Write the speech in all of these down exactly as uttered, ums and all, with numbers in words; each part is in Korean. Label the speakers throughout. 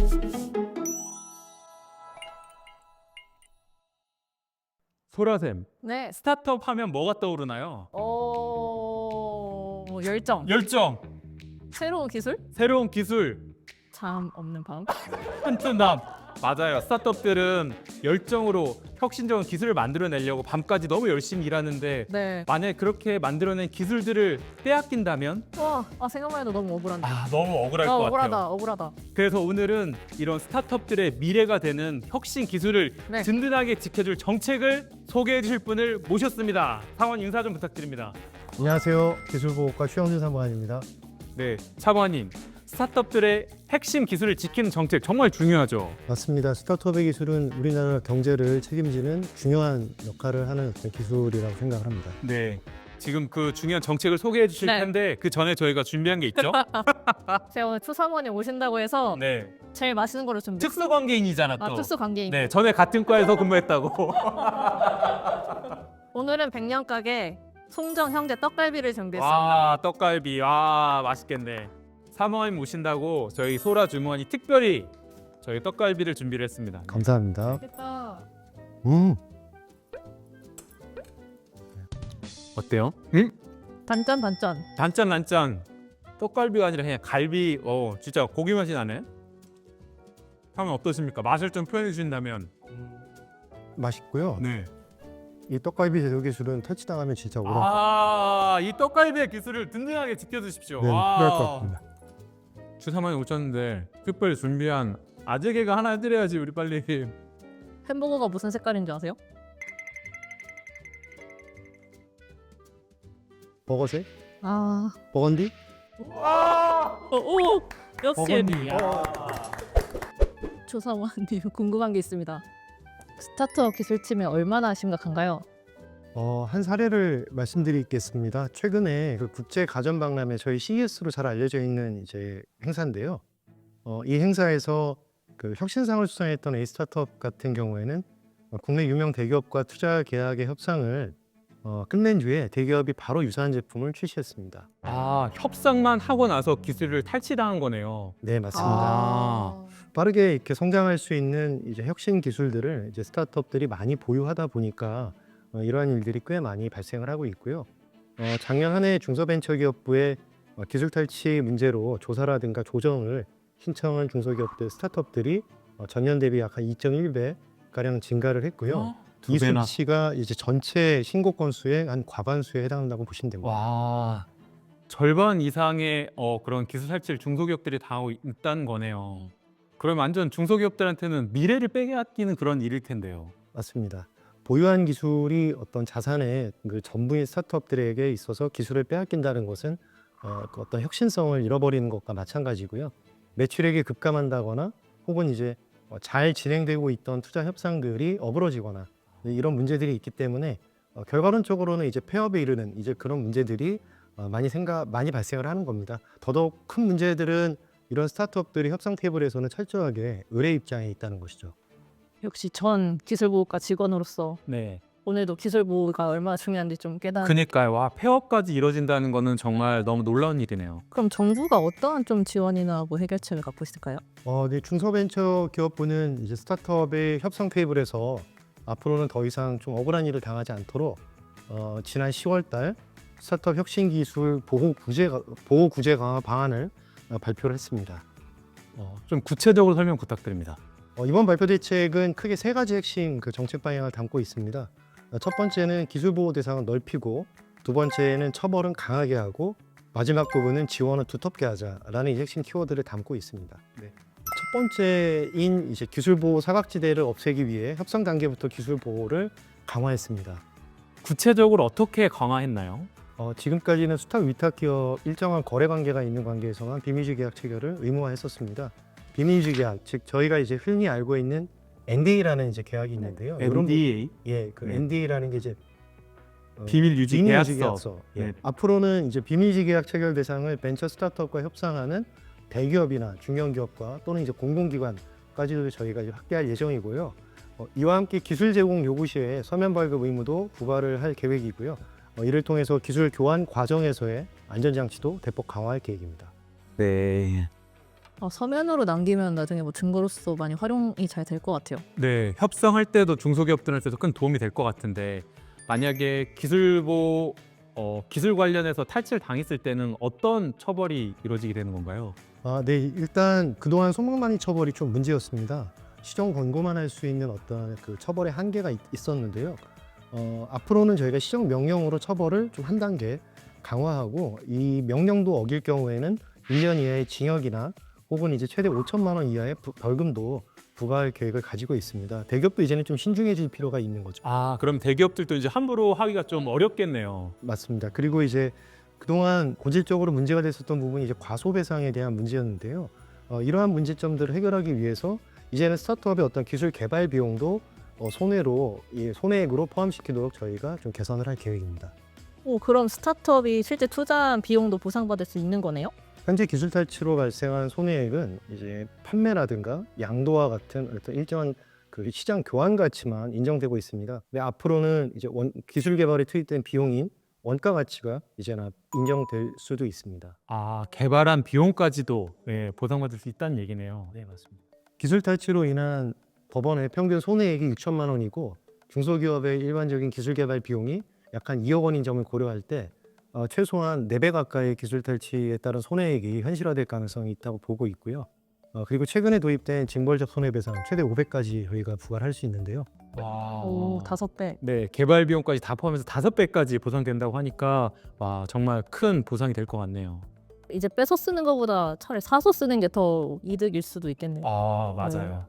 Speaker 1: 소라샘,
Speaker 2: 네.
Speaker 1: 스타트업 하면 뭐가 떠오르나요?
Speaker 2: 어... 열정.
Speaker 1: 열정,
Speaker 2: 새로운 기술?
Speaker 1: 새로운 기술,
Speaker 2: 잠 없는 밤.
Speaker 1: 튼튼함. 맞아요. 스타트업들은 열정으로 혁신적인 기술을 만들어내려고 밤까지 너무 열심히 일하는데
Speaker 2: 네.
Speaker 1: 만약에 그렇게 만들어낸 기술들을 빼앗긴다면
Speaker 2: 와, 아 생각만 해도 너무 억울한데.
Speaker 1: 아 너무 억울할
Speaker 2: 아,
Speaker 1: 것
Speaker 2: 억울하다,
Speaker 1: 같아요.
Speaker 2: 억울하다.
Speaker 1: 그래서 오늘은 이런 스타트업들의 미래가 되는 혁신 기술을
Speaker 2: 네.
Speaker 1: 든든하게 지켜줄 정책을 소개해 주실 분을 모셨습니다. 상원 인사 좀 부탁드립니다.
Speaker 3: 안녕하세요. 기술보호과 최영준 사무관입니다.
Speaker 1: 네, 차관님. 스타트업들의 핵심 기술을 지키는 정책 정말 중요하죠.
Speaker 3: 맞습니다. 스타트업의 기술은 우리나라 경제를 책임지는 중요한 역할을 하는 어떤 기술이라고 생각을 합니다.
Speaker 1: 네. 지금 그 중요한 정책을 소개해 주실
Speaker 2: 네.
Speaker 1: 텐데 그 전에 저희가 준비한 게 있죠?
Speaker 2: 제가 오늘 추사모님 오신다고 해서
Speaker 1: 네.
Speaker 2: 제일 맛있는 거를 준비.
Speaker 1: 특수 관계인이잖아 또.
Speaker 2: 아, 특수 관계인.
Speaker 1: 네, 전에 같은 과에서 근무했다고.
Speaker 2: 오늘은 백년 가게 송정 형제 떡갈비를 준비했습니다.
Speaker 1: 와, 떡갈비. 와, 맛있겠네. 사모님 오신다고 저희 소라 주무관이 특별히 저희 떡갈비를 준비를 했습니다.
Speaker 3: 감사합니다.
Speaker 2: 맛있겠다.
Speaker 3: 음,
Speaker 1: 어때요? 응?
Speaker 2: 단짠 단짠.
Speaker 1: 단짠 단짠. 떡갈비가 아니라 그냥 갈비. 어, 진짜 고기 맛이 나네. 하면 어떠십니까? 맛을 좀 표현해 주신다면.
Speaker 3: 맛있고요.
Speaker 1: 네.
Speaker 3: 이 떡갈비 제조 기술은 터치당하면 진짜 오래
Speaker 1: 아, 이 떡갈비의 기술을 든든하게 지켜주십시오.
Speaker 3: 네,
Speaker 1: 와.
Speaker 3: 필요할 것 같습니다.
Speaker 1: 주사만이 오셨는데 특별히 준비한 아재개가 하나 해드려야지 우리 빨리.
Speaker 2: 햄버거가 무슨 색깔인 줄 아세요?
Speaker 3: 버거색?
Speaker 2: 아,
Speaker 3: 버건디?
Speaker 1: 와.
Speaker 2: 어, 오, 역시
Speaker 3: 버건디.
Speaker 2: 조사원님 궁금한 게 있습니다. 스타트업 기술팀이 얼마나 심각한가요?
Speaker 3: 어, 한 사례를 말씀드리겠습니다. 최근에 그 국제 가전 박람회 저희 씨이에스로 잘 알려져 있는 이제 행사인데요. 어, 이 행사에서 그 혁신상을 수상했던 A 스타트업 같은 경우에는 어, 국내 유명 대기업과 투자 계약의 협상을 어, 끝낸 뒤에 대기업이 바로 유사한 제품을 출시했습니다.
Speaker 1: 아, 협상만 하고 나서 기술을 탈취당한 거네요.
Speaker 3: 네, 맞습니다.
Speaker 1: 아.
Speaker 3: 빠르게 이렇게 성장할 수 있는 이제 혁신 기술들을 이제 스타트업들이 많이 보유하다 보니까 어, 이러한 일들이 꽤 많이 발생을 하고 있고요. 어, 작년 한 해 중소벤처기업부의 어, 기술 탈취 문제로 조사라든가 조정을 신청한 중소기업들 스타트업들이 어, 전년 대비 약 한 이 점 일 배 가량 증가를 했고요.
Speaker 1: 어? 두
Speaker 3: 이
Speaker 1: 배나.
Speaker 3: 수치가 이제 전체 신고 건수의 한 과반수에 해당한다고 보시면 됩니다.
Speaker 1: 와. 절반 이상의 어, 그런 기술 탈취를 중소기업들이 당하고 있다는 거네요. 그럼 완전 중소기업들한테는 미래를 빼앗기는 그런 일일 텐데요.
Speaker 3: 맞습니다. 보유한 기술이 어떤 자산의 그 전부인 스타트업들에게 있어서 기술을 빼앗긴다는 것은 어, 그 어떤 혁신성을 잃어버리는 것과 마찬가지고요. 매출액이 급감한다거나 혹은 이제 어, 잘 진행되고 있던 투자 협상들이 어그러지거나 이런 문제들이 있기 때문에 어, 결과론적으로는 이제 폐업에 이르는 이제 그런 문제들이 어, 많이 생각 많이 발생을 하는 겁니다. 더더욱 큰 문제들은 이런 스타트업들이 협상 테이블에서는 철저하게 의뢰 입장에 있다는 것이죠.
Speaker 2: 역시 전 기술보호과 직원으로서
Speaker 1: 네.
Speaker 2: 오늘도 기술보호가 얼마나 중요한지 좀 깨닫.
Speaker 1: 그니까요. 와, 폐업까지 이뤄진다는 거는 정말 너무 놀라운 일이네요.
Speaker 2: 그럼 정부가 어떠한 좀 지원이나 뭐 해결책을 갖고 있을까요?
Speaker 3: 어, 네, 중소벤처기업부는 이제 스타트업의 협상 테이블에서 앞으로는 더 이상 좀 억울한 일을 당하지 않도록 어, 지난 시월 달 스타트업 혁신기술 보호 구제 보호 구제 강화 방안을 어, 발표를 했습니다.
Speaker 1: 어, 좀 구체적으로 설명 부탁드립니다.
Speaker 3: 어, 이번 발표 대책은 크게 세 가지 핵심 그 정책 방향을 담고 있습니다. 어, 첫 번째는 기술 보호 대상을 넓히고, 두 번째는 처벌은 강하게 하고, 마지막 부분은 지원을 두텁게 하자라는 이 핵심 키워드를 담고 있습니다. 네. 첫 번째인 이제 기술 보호 사각지대를 없애기 위해 협상 단계부터 기술 보호를 강화했습니다.
Speaker 1: 구체적으로 어떻게 강화했나요?
Speaker 3: 어, 지금까지는 수탁 위탁 기업 일정한 거래 관계가 있는 관계에서만 비밀주의 계약 체결을 의무화했었습니다. 비밀주의 계약, 즉 저희가 이제 흔히 알고 있는 엔디에이라는 이제 계약이 있는데요. 이런 부-
Speaker 1: 엔디에이
Speaker 3: 예, 그
Speaker 1: 네.
Speaker 3: 엔디에이라는 게 이제 어,
Speaker 1: 비밀 유지
Speaker 3: 비밀유지
Speaker 1: 계약서.
Speaker 3: 계약서. 예.
Speaker 1: 네.
Speaker 3: 앞으로는 이제 비밀유지 계약 체결 대상을 벤처 스타트업과 협상하는 대기업이나 중견기업과 또는 이제 공공기관까지도 저희가 이제 확대할 예정이고요. 어, 이와 함께 기술 제공 요구 시에 서면 발급 의무도 부과를 할 계획이고요. 어, 이를 통해서 기술 교환 과정에서의 안전장치도 대폭 강화할 계획입니다.
Speaker 1: 네.
Speaker 2: 어, 서면으로 남기면 나중에 뭐 증거로서 많이 활용이 잘 될 것 같아요.
Speaker 1: 네, 협상할 때도 중소기업들한테도 큰 도움이 될 것 같은데 만약에 기술보 어, 기술 관련해서 탈취를 당했을 때는 어떤 처벌이 이루어지게 되는 건가요?
Speaker 3: 아, 네, 일단 그동안 소망만이 처벌이 좀 문제였습니다. 시정 권고만 할 수 있는 어떤 그 처벌의 한계가 있, 있었는데요. 어, 앞으로는 저희가 시정 명령으로 처벌을 좀 한 단계 강화하고 이 명령도 어길 경우에는 일 년 이하의 징역이나 혹은 이제 최대 오천만 원 이하의 부- 벌금도 부과할 계획을 가지고 있습니다. 대기업도 이제는 좀 신중해질 필요가 있는 거죠.
Speaker 1: 아, 그럼 대기업들도 이제 함부로 하기가 좀 어렵겠네요.
Speaker 3: 맞습니다. 그리고 이제 그동안 본질적으로 문제가 됐었던 부분이 이제 과소배상에 대한 문제였는데요. 어, 이러한 문제점들을 해결하기 위해서 이제는 스타트업의 어떤 기술 개발 비용도 어, 손해로 이 손해액으로 포함시키도록 저희가 좀 개선을 할 계획입니다.
Speaker 2: 오, 그럼 스타트업이 실제 투자한 비용도 보상받을 수 있는 거네요?
Speaker 3: 현재 기술 탈취로 발생한 손해액은 이제 판매라든가 양도와 같은 어떤 일정한 그 시장 교환 가치만 인정되고 있습니다. 근데 앞으로는 이제 원, 기술 개발에 투입된 비용인 원가 가치가 이제는 인정될 수도 있습니다.
Speaker 1: 아, 개발한 비용까지도 예, 보상받을 수 있다는 얘기네요.
Speaker 3: 네, 맞습니다. 기술 탈취로 인한 법원의 평균 손해액이 육천만 원이고 중소기업의 일반적인 기술 개발 비용이 약 한 이억 원인 점을 고려할 때 어, 최소한 네 배 가까이 기술 탈취에 따른 손해액이 현실화될 가능성이 있다고 보고 있고요. 어, 그리고 최근에 도입된 징벌적 손해배상 최대 오백까지 저희가 부과를 할 수 있는데요.
Speaker 1: 와.
Speaker 2: 오, 다섯 배.
Speaker 1: 네, 개발 비용까지 다 포함해서 다섯 배까지 보상된다고 하니까 와, 정말 큰 보상이 될 것 같네요.
Speaker 2: 이제 뺏어 쓰는 것보다 차라리 사서 쓰는 게 더 이득일 수도 있겠네요.
Speaker 1: 아, 맞아요.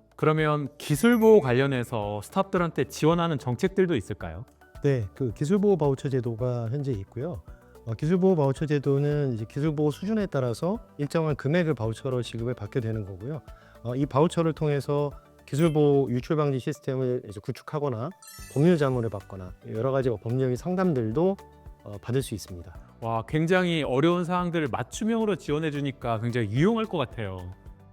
Speaker 1: 그러면 기술 보호 관련해서 스타트업들한테 지원하는 정책들도 있을까요?
Speaker 3: 네, 그 기술보호 바우처 제도가 현재 있고요. 어, 기술보호 바우처 제도는 이제 기술보호 수준에 따라서 일정한 금액을 바우처로 지급을 받게 되는 거고요. 어, 이 바우처를 통해서 기술보호 유출 방지 시스템을 이제 구축하거나 법률 자문을 받거나 여러 가지 법률 상담들도 어, 받을 수 있습니다.
Speaker 1: 와, 굉장히 어려운 사항들을 맞춤형으로 지원해 주니까 굉장히 유용할 것 같아요.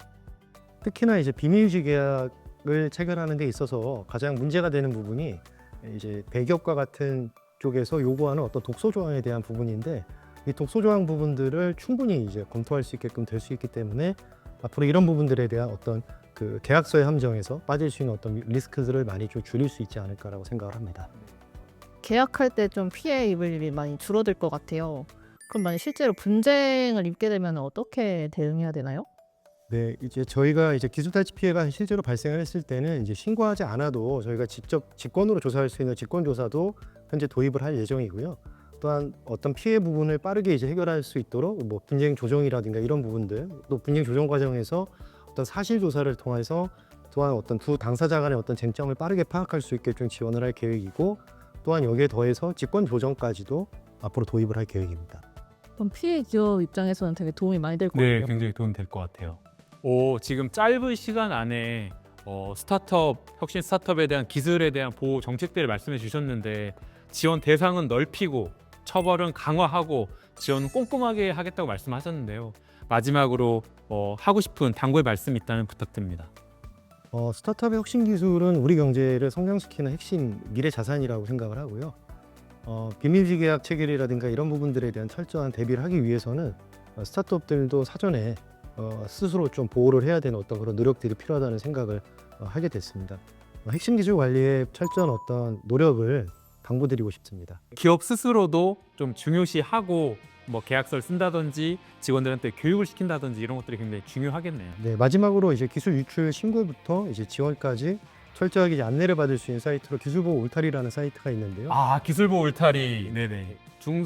Speaker 3: 특히나 이제 비밀유지 계약을 체결하는 데 있어서 가장 문제가 되는 부분이 이제 대기업과 같은 쪽에서 요구하는 어떤 독소 조항에 대한 부분인데 이 독소 조항 부분들을 충분히 이제 검토할 수 있게끔 될 수 있기 때문에 앞으로 이런 부분들에 대한 어떤 그 계약서의 함정에서 빠질 수 있는 어떤 리스크들을 많이 좀 줄일 수 있지 않을까라고 생각을 합니다.
Speaker 2: 계약할 때 좀 피해 입을 일이 많이 줄어들 것 같아요. 그럼 만약 실제로 분쟁을 입게 되면 어떻게 대응해야 되나요?
Speaker 3: 네, 이제 저희가 이제 기술 탈취 피해가 실제로 발생을 했을 때는 이제 신고하지 않아도 저희가 직접 직권으로 조사할 수 있는 직권 조사도 현재 도입을 할 예정이고요. 또한 어떤 피해 부분을 빠르게 이제 해결할 수 있도록 뭐 분쟁 조정이라든가 이런 부분들, 또 분쟁 조정 과정에서 어떤 사실 조사를 통해서 또한 어떤 두 당사자 간의 어떤 쟁점을 빠르게 파악할 수 있게 좀 지원을 할 계획이고, 또한 여기에 더해서 직권 조정까지도 앞으로 도입을 할 계획입니다.
Speaker 2: 그럼 피해 기업 입장에서는 되게 도움이 많이 될 것
Speaker 1: 네,
Speaker 2: 같아요.
Speaker 1: 굉장히 도움이 될 것 같아요. 오, 지금 짧은 시간 안에 어, 스타트업, 혁신 스타트업에 대한 기술에 대한 보호 정책들을 말씀해 주셨는데 지원 대상은 넓히고 처벌은 강화하고 지원은 꼼꼼하게 하겠다고 말씀하셨는데요. 마지막으로 어, 하고 싶은 당부의 말씀이 있다면 부탁드립니다.
Speaker 3: 어, 스타트업의 혁신 기술은 우리 경제를 성장시키는 핵심 미래 자산이라고 생각을 하고요. 어, 비밀지 계약 체결이라든가 이런 부분들에 대한 철저한 대비를 하기 위해서는 어, 스타트업들도 사전에 어, 스스로 좀 보호를 해야 되는 어떤 그런 노력들이 필요하다는 생각을 어, 하게 됐습니다. 어, 핵심 기술 관리에 철저한 어떤 노력을 당부드리고 싶습니다.
Speaker 1: 기업 스스로도 좀 중요시하고 뭐 계약서를 쓴다든지 직원들한테 교육을 시킨다든지 이런 것들이 굉장히 중요하겠네요.
Speaker 3: 네, 마지막으로 이제 기술 유출 신고부터 이제 지원까지 철저하게 이제 안내를 받을 수 있는 사이트로 기술보호 울타리라는 사이트가 있는데요.
Speaker 1: 아, 기술보호 울타리. 네네.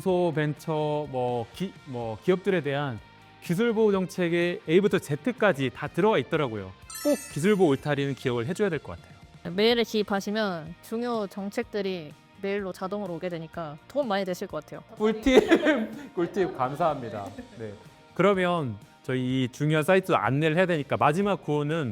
Speaker 1: 중소벤처 뭐, 기, 뭐 기업들에 대한 기술보호 정책의 A부터 Z까지 다 들어가 있더라고요. 꼭 기술보호 울타리는 기억을 해줘야 될 것 같아요.
Speaker 2: 메일에 기입하시면 중요 정책들이 메일로 자동으로 오게 되니까 도움 많이 되실 것 같아요.
Speaker 1: 꿀팁, 꿀팁 감사합니다. 네. 그러면 저희 이 중요한 사이트 안내를 해야 되니까 마지막 구호는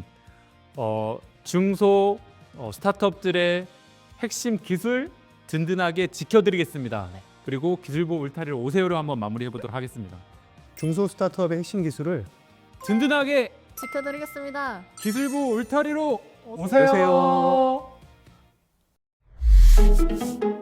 Speaker 1: 어, 중소 어, 스타트업들의 핵심 기술 든든하게 지켜드리겠습니다. 그리고 기술보호 울타리를 오세요로 한번 마무리해 보도록 하겠습니다.
Speaker 3: 중소 스타트업의 핵심 기술을
Speaker 1: 든든하게
Speaker 2: 지켜드리겠습니다.
Speaker 1: 기술보호 울타리로
Speaker 2: 오세요.
Speaker 1: 오세요.